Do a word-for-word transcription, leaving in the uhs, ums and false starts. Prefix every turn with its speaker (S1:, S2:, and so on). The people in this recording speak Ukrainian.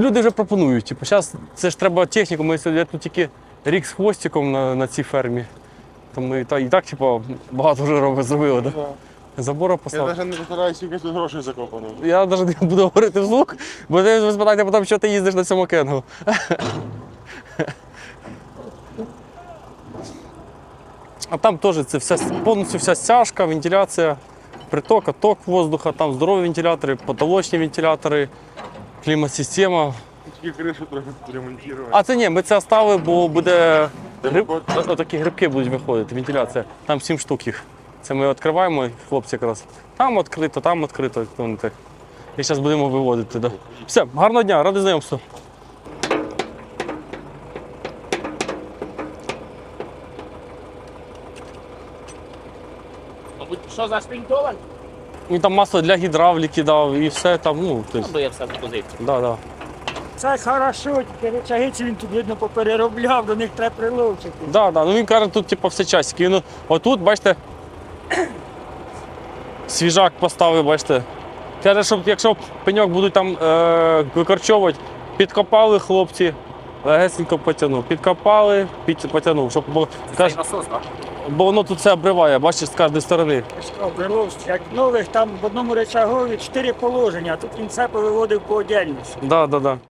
S1: люди вже пропонують. Типу, зараз це ж треба техніку, ми я тут тільки рік з хвостиком на, на цій фермі. То ми та, і так типу, багато вже робили, зробили. Да? Забора
S2: Я
S1: поставили.
S2: навіть не постараюся, скільки тут грошей закопано.
S1: Я навіть не буду говорити вслух, бо ви спитаєте потім, що ти їздиш на цьому кенгу. А там теж це вся, повністю вся стяжка, вентиляція, приток, отток воздуха, там здорові вентилятори, потолочні вентилятори, клімат-система.
S2: Тільки кришу трохи ремонтувати.
S1: А це ні, ми це оставили, бо буде гриб... отакі грибки будуть виходити, вентиляція. Там сім штук їх. Це ми відкриваємо, хлопці якраз. Там відкрито, там відкрито. І зараз будемо виводити. Да. Все, гарного дня, радий знайомству.
S3: Що за шпінтован?
S1: Він там масло для гідравліки дав і все там, ну, тобто,
S3: Бо я все запозив.
S1: да, да.
S4: Це хорошо, тільки речагиці він тут, видно, попереробляв, до них треба приловчити.
S1: Да, да. Ну він каже, тут типу, все часики. Він отут, бачите, свіжак поставив, бачите. Каже, щоб якщо пеньок будуть там е- викорчовувати, підкопали хлопці, легесенько потягнув. Підкопали, під, потягнув. Щоб, бо, каже,
S3: насос, так?
S1: бо воно тут все обриває, бачиш, з кожної сторони.
S4: Приловчити. Як нових, там в одному речагові чотири положення, а тут він все повиводив по отдельності.
S1: Да, да, да.